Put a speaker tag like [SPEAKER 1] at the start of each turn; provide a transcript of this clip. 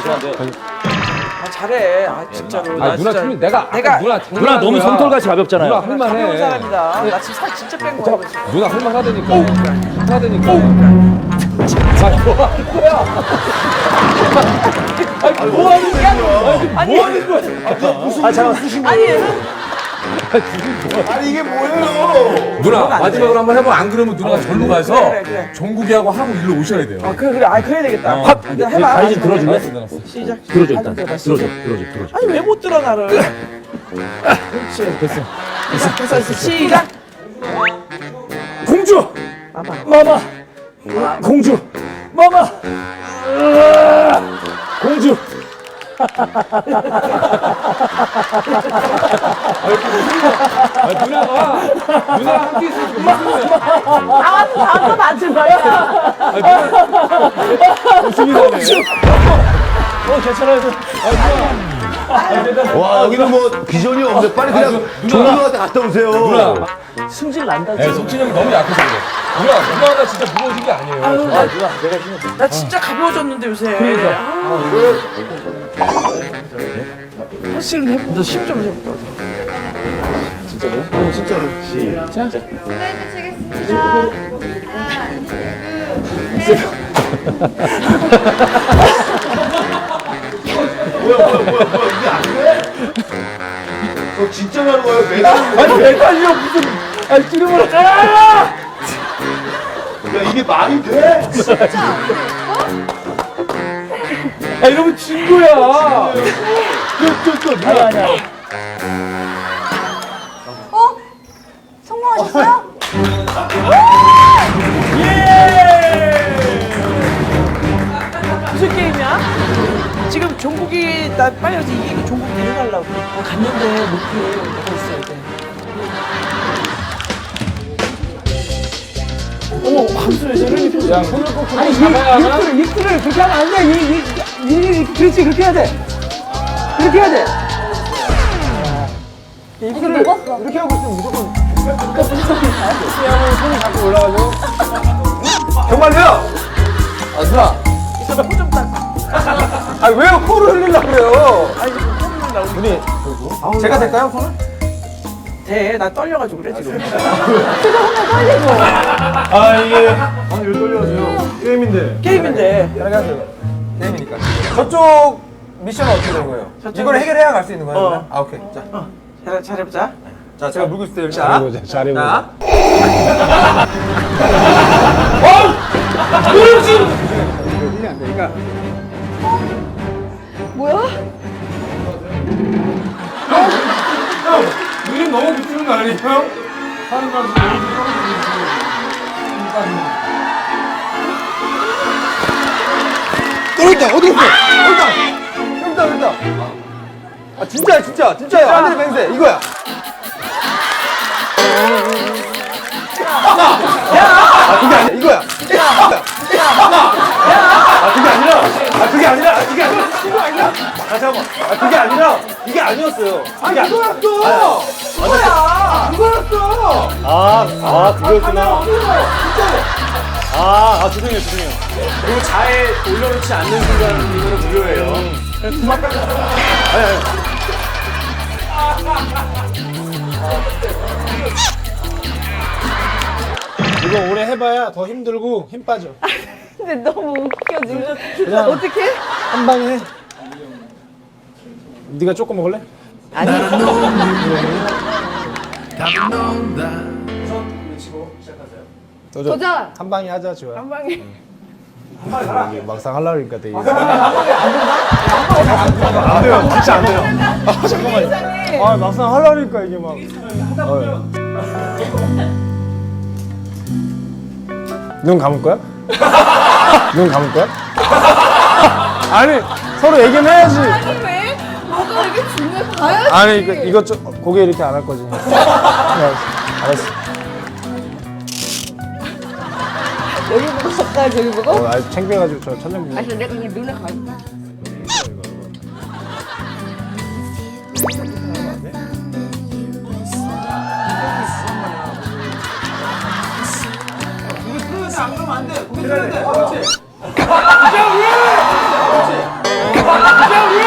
[SPEAKER 1] 아 잘해. 아 진짜로.
[SPEAKER 2] 아 누나 춤이 내가
[SPEAKER 3] 누나 너무 손털같이 가볍잖아요.
[SPEAKER 2] 누나 할만해.
[SPEAKER 1] 가벼운 사람이다. 나 지금 살 진짜 뺀 거야.
[SPEAKER 2] 누나 할만하다니까. 하다니까. 뭐 하는 거야?
[SPEAKER 1] 아니
[SPEAKER 2] 뭐 하는 거야?
[SPEAKER 3] 아 잠깐.
[SPEAKER 4] 아니 이게 뭐예요?
[SPEAKER 2] 누나 마지막으로 한번 해봐. 안 그러면 누나가 절로 가서
[SPEAKER 1] 그래.
[SPEAKER 2] 종국이하고 하고 일로 오셔야 돼요.
[SPEAKER 1] 아 그래. 아 그래야 되겠다. 해봐.
[SPEAKER 3] 다리 좀 들어줄래?
[SPEAKER 1] 시작.
[SPEAKER 3] 들어줘 일단.
[SPEAKER 1] 들어줘.
[SPEAKER 3] 들어줘.
[SPEAKER 1] 아니 왜 못 들어 나를? 그렇지. 됐어. 시작.
[SPEAKER 3] 공주. 마마. 공주. 마마. 공주.
[SPEAKER 2] 누나가 함께 있으니까
[SPEAKER 1] 다음 거 맞춘 거야?
[SPEAKER 3] 괜찮아요.
[SPEAKER 4] 와 여기는 뭐 비전이 없는데 빨리 그냥 종국한테 갔다 오세요.
[SPEAKER 2] 누나.
[SPEAKER 3] 승질 난다.
[SPEAKER 2] 네, 석진이 형이 너무 약해서 그래. 누나가 진짜 무거워진 게 아니에요.
[SPEAKER 1] 나 진짜 가벼워졌는데 요새. 확실히 해봐. 너힘좀 해볼까?
[SPEAKER 5] 플레이트 치겠습니다.
[SPEAKER 4] 이게 안 돼? 진짜 가는 거예요? 매달?
[SPEAKER 2] 아니 매달려 무슨 아니 찌르면
[SPEAKER 4] 야 이게 말이 돼?
[SPEAKER 2] 아 이러면 진 거야.
[SPEAKER 4] 또 누나.
[SPEAKER 3] 아니야.
[SPEAKER 5] 성공하셨어요?
[SPEAKER 1] 무슨 게임이야? 지금 종국이 나 빨리 가서 이기고 종국 데려가려고. 갔는데 못해. 내가 있어야 돼. 어머, 함수 왜 저러니?
[SPEAKER 2] 야 손을 꼭 잡아야 하나?
[SPEAKER 1] 이틀을 그렇게 하면 안 돼. 그렇지, 그렇게 해야 돼. 그렇게 해야 돼.
[SPEAKER 5] 이거 먹었어.
[SPEAKER 1] 이렇게 하고 있으면 무조건.
[SPEAKER 2] 손을 잡고 올라가죠.
[SPEAKER 1] 정말요?
[SPEAKER 2] 아 누나.
[SPEAKER 1] 일단 코좀 딱.
[SPEAKER 2] 아 왜요 코를 흘리려고 그래요?
[SPEAKER 1] 아니, 지금 코를 나오고.
[SPEAKER 2] 우리 제가 될까요 손을?
[SPEAKER 1] 돼. 나 떨려가지고 그래, 지금.
[SPEAKER 4] 아 이게 왜 떨려가지고 게임인데.
[SPEAKER 1] 게임인데.
[SPEAKER 2] 편하게 게임이니까. 저쪽 미션은 어떻게 되는 거예요? 이걸 해결해야 갈 수 있는 거예요? 그러면? 아 오케이. 자,
[SPEAKER 1] 잘해보자.
[SPEAKER 2] 자 제가 물고 있을 때 자.
[SPEAKER 3] 잘해보자.
[SPEAKER 5] 뭐야?
[SPEAKER 2] 눈이 너무 붙이는 거 아니에요?
[SPEAKER 4] 어디 있어? 여기다. 아 진짜야. 하늘의 맹세 이거야. 아 그게 아니야 이거야. 그게 아니라 아 잠깐만. 그게 아니라 이게 아니었어요. 이거였어. 이거였어.
[SPEAKER 3] 아 그거였구나. 죄송해요. 그리고 잘 올려놓지 않는 순간 이거는 무료예요.
[SPEAKER 6] 이거 오래 해봐야 더 힘들고 힘 빠져.
[SPEAKER 5] 근데 너무 웃겨 지금. 어떡해?
[SPEAKER 6] 한 방에 해. 네가 조금 먹을래?
[SPEAKER 5] 도전!
[SPEAKER 6] 한 방에 하자 좋아.
[SPEAKER 5] 한 방에.
[SPEAKER 6] 막상 하려고 그러니까 되게. 안 돼요. 진짜 안 돼요. 아 잠깐만요. 아 막상 하려고 그러니까 이게 막. 눈 감을 거야? 눈 감을 거야? 아니 서로 얘기는 해야지.
[SPEAKER 5] 아니 왜? 뭐가 이렇게 중요해? 봐야지.
[SPEAKER 6] 아니 이거 좀 고개 이렇게 안 할 거지. 알았어.
[SPEAKER 5] 여기 보고 섰다 저기 보고?
[SPEAKER 6] 아 창피해가지고 저 천장 보고.
[SPEAKER 5] 아니 내가 그냥 눈에 가.
[SPEAKER 1] 안 그러면 안 돼. 고개 들어야 돼. 그렇지. 우리!